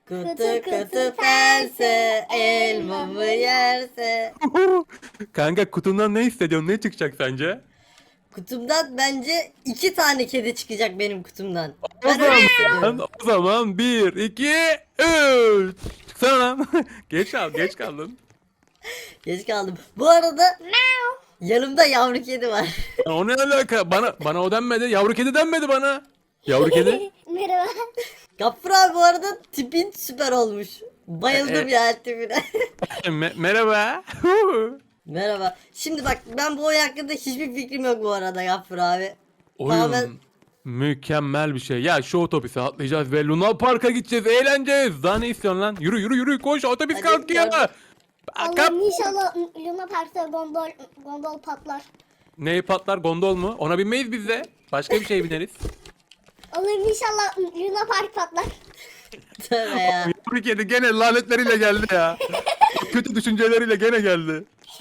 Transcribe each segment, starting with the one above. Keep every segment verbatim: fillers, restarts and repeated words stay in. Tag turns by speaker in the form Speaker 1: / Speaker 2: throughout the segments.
Speaker 1: Kutu kutu pense, elmamı yerse.
Speaker 2: Kanka kutundan ne hissediyorsun? Ne çıkacak sence?
Speaker 1: Kutumdan bence iki tane kedi çıkacak benim kutumdan.
Speaker 2: O
Speaker 1: Ben öyle hissediyorum.
Speaker 2: zaman, o zaman bir, iki, üç. Çıksana lan. Geç kal, geç kaldın.
Speaker 1: Geç kaldım. Bu arada yanımda yavru kedi var.
Speaker 2: Ya o ne alaka? Bana bana o denmedi. Yavru kedi denmedi bana. Yavru kedi.
Speaker 3: Merhaba.
Speaker 1: Gaffur abi bu arada tipin süper olmuş. Bayıldım
Speaker 2: E-
Speaker 1: ya tipine.
Speaker 2: Me- merhaba.
Speaker 1: Merhaba. Şimdi bak ben bu oyun hakkında hiçbir fikrim yok bu arada Gaffur abi.
Speaker 2: Oyun
Speaker 1: Tamamen-
Speaker 2: mükemmel bir şey. Ya şu otobüse atlayacağız ve Luna Park'a gideceğiz. Eğleneceğiz. Daha ne istiyorsun lan? Yürü yürü yürü koş otobüs
Speaker 1: Hadi
Speaker 2: kalkıyor.
Speaker 1: gördüm.
Speaker 2: Kap.
Speaker 3: Allah'ım inşallah Luna Park'ta gondol gondol patlar.
Speaker 2: Neyi patlar gondol mu? Ona binmeyiz biz de. Başka bir şey bineriz.
Speaker 3: Allah'ım inşallah Luna Park patlar.
Speaker 1: Tövbe ya.
Speaker 2: Yavru kedi gene lanetleriyle geldi ya. Kötü düşünceleriyle gene geldi.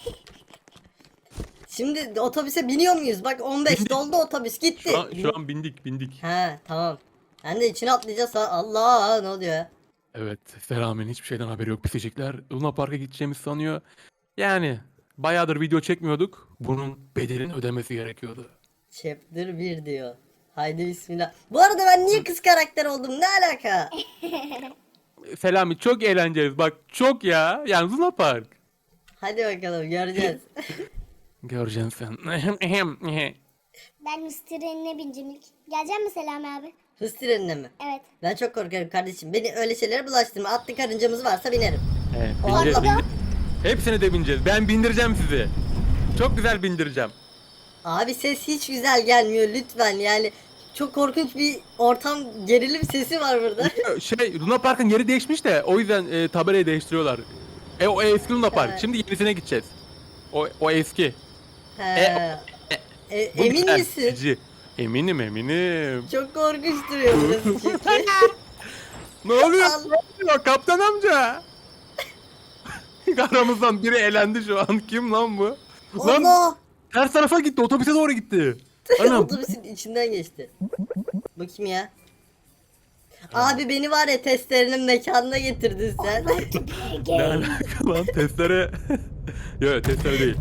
Speaker 1: Şimdi otobüse biniyor muyuz? Bak on beş
Speaker 2: Bindik.
Speaker 1: doldu otobüs gitti.
Speaker 2: Şu an, şu an bindik bindik.
Speaker 1: He tamam. Ben de içine atlayacağız. Ha- Allah ne oluyor ya?
Speaker 2: Evet, Selami'nin hiçbir şeyden haberi yok pisecekler. Luna Park'a gideceğimizi sanıyor. Yani bayağıdır video çekmiyorduk. Bunun bedelini ödemesi gerekiyordu.
Speaker 1: Chapter bir diyor. Haydi bismillah. Bu arada ben niye kız karakter oldum? Ne alaka?
Speaker 2: Selami çok eğleneceğiz bak çok ya. Yani Luna Park.
Speaker 1: Hadi bakalım göreceğiz.
Speaker 2: Göreceksin sen.
Speaker 3: Ben hız trenine bineceğim ilk. Gelecek mi Selami abi?
Speaker 1: Hız trenine mi?
Speaker 3: Evet.
Speaker 1: Ben çok korkarım kardeşim. Beni öyle şeylere bulaştırma. Atlı karıncamız varsa binerim.
Speaker 2: Evet,
Speaker 1: Allah.
Speaker 2: bineceğiz, bineceğiz. Hepsini de bineceğiz. Ben bindireceğim sizi. Çok güzel bindireceğim.
Speaker 1: Abi ses hiç güzel gelmiyor lütfen yani. Çok korkunç bir ortam gerilim sesi var burada.
Speaker 2: Şey Luna Park'ın yeri değişmiş de o yüzden e, tabelayı değiştiriyorlar. E o eski Luna Park.
Speaker 1: Evet.
Speaker 2: Şimdi yenisine gideceğiz. O o eski.
Speaker 1: He.
Speaker 2: E,
Speaker 1: E,
Speaker 2: Bu
Speaker 1: emin
Speaker 2: güzel,
Speaker 1: misin?
Speaker 2: cici. Eminim eminim.
Speaker 1: Çok korkunç duruyor burası çünkü.
Speaker 2: Ne oluyor?
Speaker 1: Allah.
Speaker 2: Ne oluyor kaptan amca? Aramızdan biri elendi şu an. Kim lan bu? Lan
Speaker 1: Allah!
Speaker 2: ters tarafa gitti. Otobüse doğru gitti. Anam.
Speaker 1: Otobüsün içinden geçti. Bakayım ya. Abi beni var ya testlerinin mekanına getirdin sen.
Speaker 2: Ne alaka lan testere? Yok testere değil.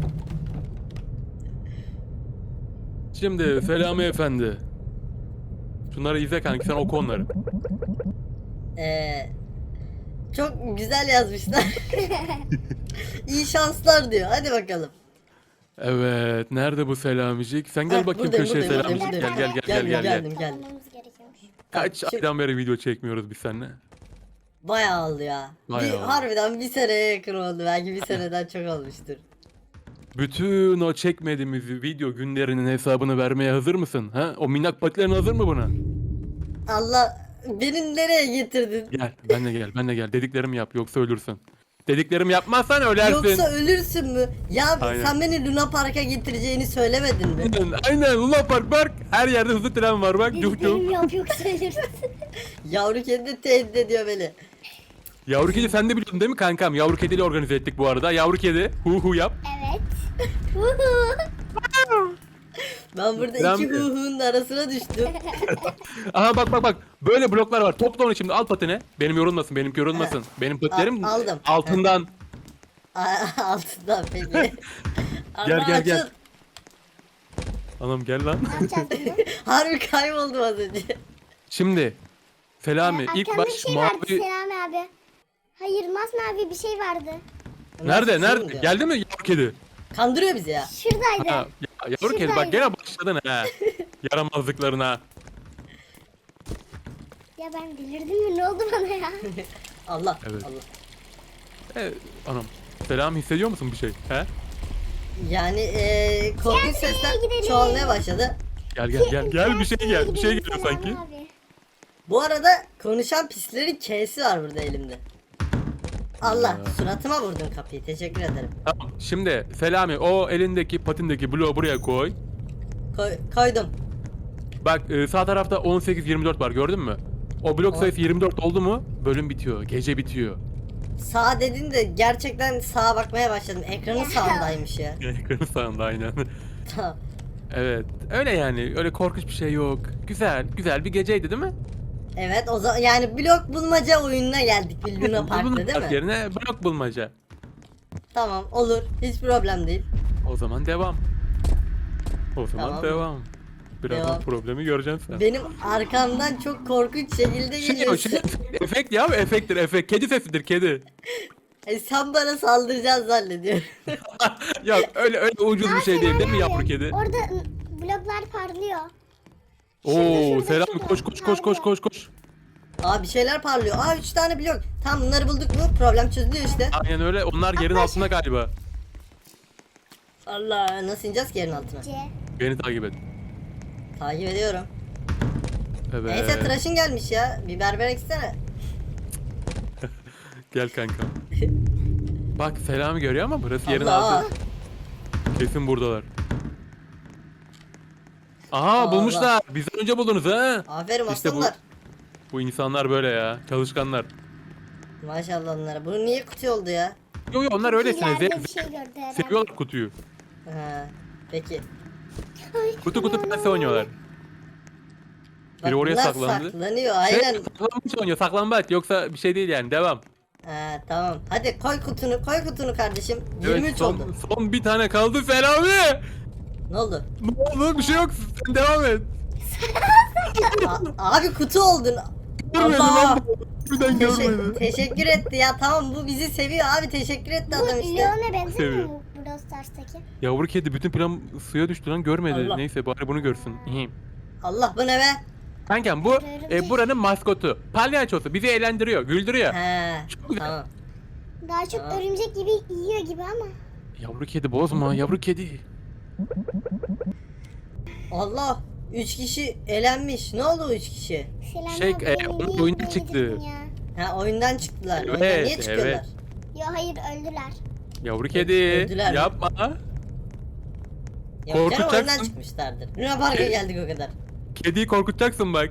Speaker 2: Şimdi Selami Efendi. Şunları izle kanki sen oku onları.
Speaker 1: Ee, çok güzel yazmışlar. İyi şanslar diyor. Hadi bakalım.
Speaker 2: Evet nerede bu Selamicik? Sen gel
Speaker 1: Heh,
Speaker 2: bakayım
Speaker 1: buradayım,
Speaker 2: köşeye
Speaker 1: buradayım,
Speaker 2: Selamicik. Gel
Speaker 1: buradayım,
Speaker 2: gel gel gel
Speaker 1: Geldim,
Speaker 2: gel. gel.
Speaker 1: geldim, geldim.
Speaker 3: Almamız gerekiyormuş.
Speaker 2: Kaç
Speaker 1: Şimdi-
Speaker 2: aydan beri video çekmiyoruz biz seninle?
Speaker 1: Bayağı oldu ya.
Speaker 2: Bayağı
Speaker 1: bir,
Speaker 2: oldu.
Speaker 1: harbiden bir seneye yakın oldu. Belki bir seneden çok olmuştur.
Speaker 2: Bütün o çekmediğimiz video günlerinin hesabını vermeye hazır mısın? Ha? O minnak patilerin hazır mı buna?
Speaker 1: Allah beni nereye getirdin?
Speaker 2: Gel, ben de gel, ben de gel. Dediklerimi yap, yoksa ölürsün. Dediklerimi yapmazsan ölersin.
Speaker 1: Yoksa ölürsün mü? Ya
Speaker 2: Aynen.
Speaker 1: sen beni Luna Park'a getireceğini söylemedin mi?
Speaker 2: Aynen, aynen. Luna Park bak. Her yerde hızlı tren var bak. Cuh cuh.
Speaker 3: Dediklerim yok yoksa ölürsün.
Speaker 1: Yavru kedi de tehdit ediyor beni.
Speaker 2: Yavru kedi sen de biliyordun değil mi kankam? Yavru kediyle organize ettik bu arada. Yavru kedi. Hu hu yap.
Speaker 3: Evet.
Speaker 1: Ben burada
Speaker 2: Ben-
Speaker 1: iki huhunun arasına düştüm.
Speaker 2: Aha bak bak bak. Böyle bloklar var. Topla onu şimdi. Al patine. Benim yorulmasın. Benimki yorulmasın. Benim patilerim
Speaker 1: Al- aldım.
Speaker 2: altından.
Speaker 1: Altından peki.
Speaker 2: Gel,
Speaker 1: Allah
Speaker 2: gel, gel.
Speaker 1: açın.
Speaker 2: Anam gel lan.
Speaker 3: Ne yapacağız bunu?
Speaker 1: Harbi kayboldum az önce.
Speaker 2: Şimdi. Selami ilk
Speaker 3: Arkamda
Speaker 2: baş
Speaker 3: bir şey vardı
Speaker 2: mavi.
Speaker 3: Selami abi. Hayır masmavi bir şey vardı.
Speaker 2: Nerede?
Speaker 1: Nasıl
Speaker 2: Nerede?
Speaker 1: diyor?
Speaker 2: Geldi mi yavru kedi?
Speaker 1: Kandırıyor bizi ya.
Speaker 3: Şuradaydı.
Speaker 2: Ha, ya, yavru kedi bak
Speaker 3: Şuradaydı.
Speaker 2: gene başladın ha. Yaramazlıklarına.
Speaker 3: Ya ben delirdim mi? Ne oldu bana ya?
Speaker 1: Allah
Speaker 2: Evet.
Speaker 1: Allah.
Speaker 2: E, anam. Selam hissediyor musun bir şey? He?
Speaker 1: Yani eee korkunç sesler
Speaker 3: gidelim.
Speaker 1: çoğalmaya başladı.
Speaker 2: Gel gel gel gel bir şey gel. Bir şey geliyor
Speaker 3: Selami
Speaker 2: sanki.
Speaker 3: abi.
Speaker 1: Bu arada konuşan pislerin K'si var burada elimde. Allah
Speaker 2: Ya.
Speaker 1: suratıma vurdun kapıyı teşekkür ederim.
Speaker 2: Tamam. Şimdi Selami o elindeki patindeki bloğu buraya koy.
Speaker 1: Koy, koydum.
Speaker 2: Bak e, sağ tarafta on sekiz yirmi dört var gördün mü? O blok
Speaker 1: On-
Speaker 2: sayısı yirmi dört oldu mu bölüm bitiyor. Gece bitiyor.
Speaker 1: Sağ dedin de gerçekten sağa bakmaya başladım. Ekranın sağındaymış ya.
Speaker 2: Ekranın sağında aynen.
Speaker 1: Tamam.
Speaker 2: Evet. Öyle yani. Öyle korkunç bir şey yok. Güzel. Güzel bir geceydi değil mi?
Speaker 1: Evet o zaman yani blok bulmaca oyununa geldik bir Luna Park'ta
Speaker 2: Luna
Speaker 1: değil
Speaker 2: Park
Speaker 1: mi?
Speaker 2: yerine blok bulmaca.
Speaker 1: Tamam olur hiç problem değil.
Speaker 2: O zaman devam. O zaman
Speaker 1: Tamam.
Speaker 2: devam. Birazdan
Speaker 1: Devam.
Speaker 2: problemi göreceksin sen.
Speaker 1: Benim arkamdan çok korkunç şekilde
Speaker 2: Şey, o
Speaker 1: geliyorsun.
Speaker 2: şey, efekt ya efekttir efekt. Kedi sesidir kedi.
Speaker 1: E, sen bana saldıracaksın zannediyorum.
Speaker 2: Ya öyle öyle ucuz bir
Speaker 3: Aa,
Speaker 2: şey değil değil mi
Speaker 3: Selami
Speaker 2: yavru
Speaker 3: abi,
Speaker 2: kedi?
Speaker 3: Orada ı, bloklar parlıyor.
Speaker 2: Oo
Speaker 3: şurada,
Speaker 2: Selami
Speaker 3: şurada.
Speaker 2: koş koş koş koş koş koş.
Speaker 1: Aa bir şeyler parlıyor. Aa üç tane blok. Tamam bunları bulduk mu problem çözülüyor işte.
Speaker 2: Aynen öyle onlar yerin altında galiba.
Speaker 1: Allah nasıl ineceğiz ki yerin altına?
Speaker 3: C.
Speaker 2: Beni takip et.
Speaker 1: Takip ediyorum.
Speaker 2: Evet.
Speaker 1: Neyse tıraşın gelmiş ya. Bir berber eksene.
Speaker 2: Gel kanka. Bak Selami görüyor ama burası yerin
Speaker 1: Allah.
Speaker 2: altı. Kesin buradalar. Aha
Speaker 1: Allah.
Speaker 2: bulmuşlar. Bizden önce buldunuz ha.
Speaker 1: Aferin
Speaker 2: İşte bu-
Speaker 1: aslanlar.
Speaker 2: Bu insanlar böyle ya. Çalışkanlar.
Speaker 1: Maşallah onlara. Bu niye kutu oldu ya?
Speaker 2: Yo yo onlar öylesine.
Speaker 3: İleride
Speaker 2: Ze-
Speaker 3: bir şey gördü herhalde.
Speaker 2: seviyorlar kutuyu.
Speaker 1: Ha, peki.
Speaker 3: Ay,
Speaker 2: Kutu kutu
Speaker 3: aman
Speaker 2: pense oynuyorlar.
Speaker 1: Bak,
Speaker 2: Biri oraya
Speaker 1: bunlar
Speaker 2: saklandı.
Speaker 1: saklanıyor
Speaker 2: Şey,
Speaker 1: aynen.
Speaker 2: saklambaç oynuyor saklambaç. Yoksa bir şey değil yani devam.
Speaker 1: Ha, tamam. Hadi koy kutunu, koy kutunu kardeşim. yirmi üç
Speaker 2: Evet, son,
Speaker 1: oldu.
Speaker 2: son bir tane kaldı Selami.
Speaker 1: Ne oldu?
Speaker 2: Ne oldu bir şey yok. Sen devam et.
Speaker 1: A- abi kutu oldun.
Speaker 2: Görmedim
Speaker 1: Allah.
Speaker 2: lan. Birden
Speaker 1: Teşe-
Speaker 2: görmedim.
Speaker 1: teşekkür etti ya. Tamam bu bizi seviyor abi. Teşekkür etti
Speaker 3: Bu
Speaker 1: adam işte.
Speaker 3: Leon'a benzemiyor
Speaker 2: Seviyor.
Speaker 3: mu Brawl Stars'taki?
Speaker 2: Yavru kedi bütün plan suya düştü lan görmedi.
Speaker 1: Allah.
Speaker 2: Neyse bari bunu görsün. İyi.
Speaker 1: Allah bu ne be?
Speaker 2: Kankam bu e, buranın maskotu. Palyaçosu bizi eğlendiriyor, güldürüyor.
Speaker 1: He.
Speaker 2: Çok güzel.
Speaker 1: Tamam.
Speaker 3: Daha çok
Speaker 1: Aa.
Speaker 3: örümcek gibi yiyor gibi ama.
Speaker 2: Yavru kedi bozma, yavru kedi.
Speaker 1: Allah. Üç kişi elenmiş. Ne oldu o üç kişi?
Speaker 3: Selami
Speaker 2: Şey,
Speaker 3: abi
Speaker 2: e,
Speaker 3: beni
Speaker 2: onun
Speaker 3: niye
Speaker 2: oyundan
Speaker 3: böyle
Speaker 2: çıktı.
Speaker 3: yedirdin Ya.
Speaker 1: Ha oyundan çıktılar.
Speaker 2: Evet,
Speaker 1: oyundan niye çıkıyorlar?
Speaker 2: evet.
Speaker 3: Yo hayır öldüler.
Speaker 2: Yavru kedi
Speaker 1: öldüler mi?
Speaker 2: yapma.
Speaker 1: Yok canım
Speaker 2: Korkutacaksın.
Speaker 1: oyundan çıkmışlardır. Luna Park'a geldik o kadar.
Speaker 2: Kediyi korkutacaksın bak.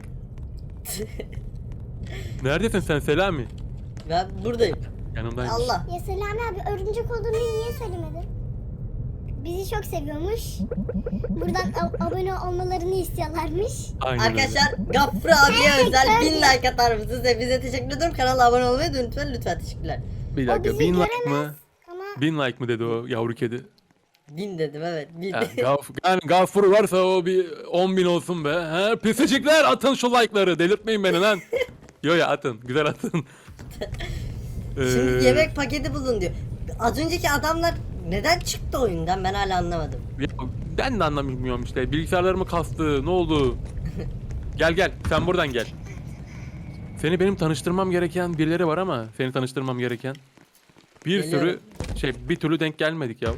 Speaker 2: Neredesin sen Selami?
Speaker 1: Ben buradayım.
Speaker 2: Yanımdaymış.
Speaker 1: Allah.
Speaker 3: Ya Selami abi örümcek olduğunu niye söylemedin? Bizi çok seviyormuş. Buradan ab- abone olmalarını istiyorlarmış.
Speaker 2: Aynen öyle.
Speaker 1: Arkadaşlar Gaffur abiye özel bin like atar mısınız? Hepinize teşekkür ediyorum. Kanala abone olmayı da lütfen lütfen teşekkürler.
Speaker 2: Bir
Speaker 3: O
Speaker 2: dakika
Speaker 3: bizi
Speaker 2: bin like
Speaker 3: göremez.
Speaker 2: mı?
Speaker 3: Ama
Speaker 2: Bin like mı dedi o yavru kedi?
Speaker 1: Bin dedim evet. Bin.
Speaker 2: Yani, gaf, yani gafuru varsa o bir on bin olsun be. He? Pisicikler atın şu like'ları. Delirtmeyin beni lan. Yo ya atın. Güzel atın.
Speaker 1: Şimdi
Speaker 2: Ee,
Speaker 1: yemek paketi bulun diyor. Az önceki adamlar neden çıktı oyundan ben hala anlamadım.
Speaker 2: ya ben de anlamıyorum işte. Bilgisayarlarımı kastı. Ne oldu? Gel gel. Sen buradan gel. Seni benim tanıştırmam gereken birileri var ama seni tanıştırmam gereken. Bir
Speaker 1: Geliyorum.
Speaker 2: sürü şey bir türlü denk gelmedik ya.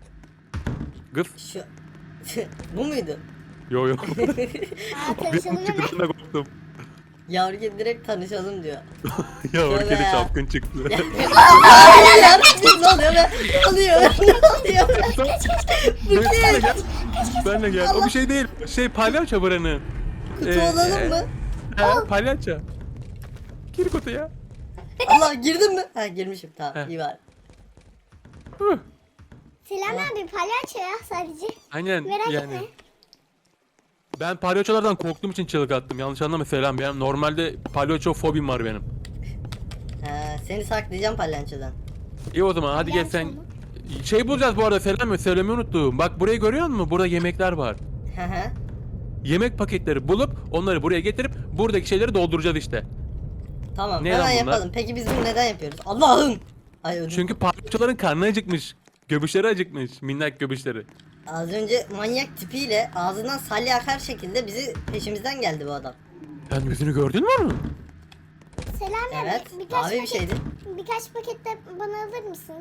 Speaker 2: Kız.
Speaker 1: Şu bu muydu?
Speaker 2: Yo yo.
Speaker 3: aa,
Speaker 2: Bir
Speaker 3: tanışalım hemen.
Speaker 2: çıktı da korktum.
Speaker 1: Yavru kedi direkt tanışalım diyor.
Speaker 2: Yavru
Speaker 1: Tövbe
Speaker 2: kedi
Speaker 1: ya.
Speaker 2: çapkın çıktı.
Speaker 1: Hayır, ne oluyor be? Ne oluyor? Ne oluyor?
Speaker 2: Ben de gel. Ben de gel. O bir şey değil. Şey palyaço buranın.
Speaker 1: Kutu
Speaker 2: Ee,
Speaker 1: olalım
Speaker 2: e,
Speaker 1: mı?
Speaker 2: He palyaço. Gir kutuya.
Speaker 1: Allah girdin mi? Ha girmişim tamam
Speaker 2: He.
Speaker 1: iyi var.
Speaker 2: Huh.
Speaker 3: Selami abi palyaço ya sadece.
Speaker 2: Aynen
Speaker 3: Merak
Speaker 2: yani.
Speaker 3: etme.
Speaker 2: Ben palyaçolardan korktuğum için çığlık attım. Yanlış anlama Selam. Benim normalde palyaço fobim var benim.
Speaker 1: Ha, seni saklayacağım palyaçodan.
Speaker 2: İyi o zaman hadi gel sen.
Speaker 3: Palyaço mu?
Speaker 2: Şey bulacağız bu arada Selam söylemeyi unuttum. Bak burayı görüyor musun? Burada yemekler var.
Speaker 1: Hı hı.
Speaker 2: Yemek paketleri bulup onları buraya getirip buradaki şeyleri dolduracağız işte.
Speaker 1: Tamam
Speaker 2: Ne
Speaker 1: hemen
Speaker 2: lan bunlar?
Speaker 1: yapalım. Peki biz bunu neden yapıyoruz? Allah'ım. Ay ödüm.
Speaker 2: Çünkü palyaçoların karnı acıkmış. Göbüşleri acıkmış. Minnak göbüşleri.
Speaker 1: Az önce manyak tipiyle ağzından salya akar şekilde bizi peşimizden geldi bu adam.
Speaker 2: Sen yüzünü gördün mü onun?
Speaker 3: Selami
Speaker 1: Evet,
Speaker 3: abi birkaç
Speaker 1: mavi bir
Speaker 3: paket,
Speaker 1: şeydi.
Speaker 3: birkaç paket de bana alır mısın?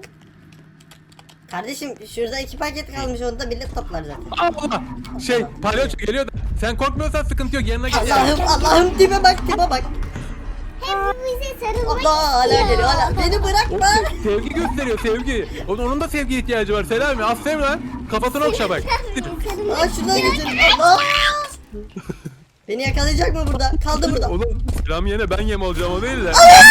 Speaker 1: Kardeşim şurada iki paket kalmış onu da millet toplar zaten.
Speaker 2: Allah! Şey palyaço geliyor da sen korkmuyorsan sıkıntı yok yanına git.
Speaker 1: Allah'ım Allah'ım tipe bak tipe bak.
Speaker 3: Hem bu bize sarılmak
Speaker 1: Allah hala
Speaker 3: istiyor.
Speaker 1: geliyor hala. Beni
Speaker 2: O
Speaker 1: bırakma.
Speaker 2: se- sevgi gösteriyor sevgi. Onun, onun da sevgi ihtiyacı var Selami. Az sev lan. Kafasını okşa bak.
Speaker 3: Sarılmak
Speaker 1: Aa şuradan geçelim. Allah. Beni yakalayacak mı burada? Kaldı burada.
Speaker 2: Oğlum Selami yine ben yem olacağım o değil de.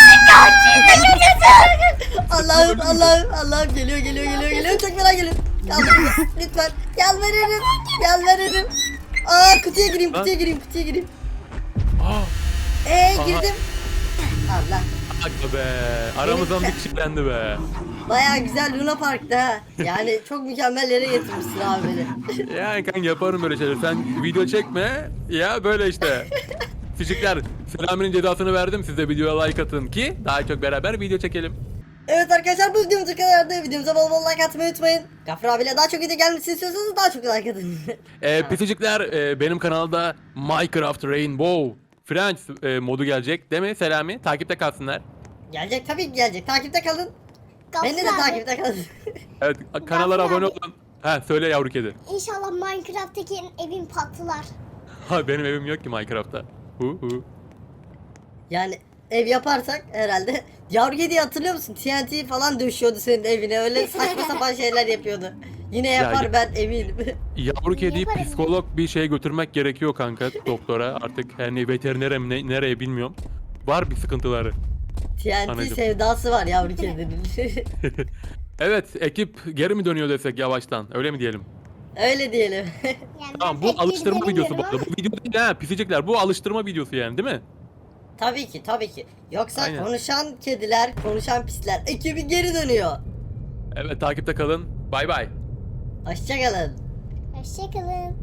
Speaker 1: Allah'ım Allah'ım Allah'ım geliyor geliyor geliyor geliyor çok merak geliyor. Kaldı burada. Lütfen yalvarırım yalvarırım. Aa kutuya gireyim kutuya gireyim kutuya gireyim.
Speaker 2: Aa,
Speaker 1: Eee
Speaker 2: Aha.
Speaker 1: girdim. Allah.
Speaker 2: Aga be. Aramızdan bir kişi yendi be.
Speaker 1: Baya güzel Luna Park'ta ha. Yani çok mükemmel yere getirmişsin abi beni.
Speaker 2: Yani kanka yaparım böyle şeyler. Sen video çekme. Ya böyle işte. Fişikler, Selami'nin cezasını verdim. Siz de videoya like atın ki daha çok beraber video çekelim.
Speaker 1: Evet arkadaşlar, bu videomuz bu kadardı. Videomuza bol bol like atmayı unutmayın. Gafur abiyle daha çok video gelmesini istiyorsanız daha çok like atın.
Speaker 2: Ee, pisicikler, e, benim kanalda Minecraft Rainbow Friends e, modu gelecek değil mi Selami? Takipte kalsınlar.
Speaker 1: Gelecek, tabii ki gelecek. Takipte kalın.
Speaker 3: Gafur
Speaker 1: Beni de
Speaker 3: abi,
Speaker 1: takipte kalın.
Speaker 2: Evet, kanallara
Speaker 3: Gafur
Speaker 2: abone
Speaker 3: abi.
Speaker 2: olun. Ha söyle yavru kedi.
Speaker 3: İnşallah Minecraft'taki evin patlar.
Speaker 2: Ha benim evim yok ki Minecraft'ta. Hu hu.
Speaker 1: Yani ev yaparsak herhalde. Yavru kediyi hatırlıyor musun? T N T falan döşüyordu senin evine. Öyle saçma sapan şeyler yapıyordu. Yine yapar,
Speaker 2: ya-
Speaker 1: ben eminim.
Speaker 2: Yavru kediyi
Speaker 3: Yaparım.
Speaker 2: psikolog bir şeye götürmek gerekiyor kanka doktora. Artık hani veterinere mi ne- nereye bilmiyorum. Var bir sıkıntıları.
Speaker 1: T N T
Speaker 2: Anladım.
Speaker 1: sevdası var yavru kedinin.
Speaker 2: Evet, ekip geri mi dönüyor desek yavaştan? Öyle mi diyelim?
Speaker 1: Öyle diyelim.
Speaker 3: Yani
Speaker 2: Tamam,
Speaker 3: ben
Speaker 2: bu
Speaker 3: pek
Speaker 2: alıştırma
Speaker 3: geri
Speaker 2: videosu bu
Speaker 3: dönemiyorum
Speaker 2: arada. Bu video değil ha pisicikler. Bu alıştırma videosu yani değil mi?
Speaker 1: Tabii ki, tabii ki. Yoksa
Speaker 2: Aynen.
Speaker 1: konuşan kediler, konuşan pisler ekibi geri dönüyor.
Speaker 2: Evet, takipte kalın. Bay bay.
Speaker 1: Hoşçakalın.
Speaker 3: ama Hoşçakalın.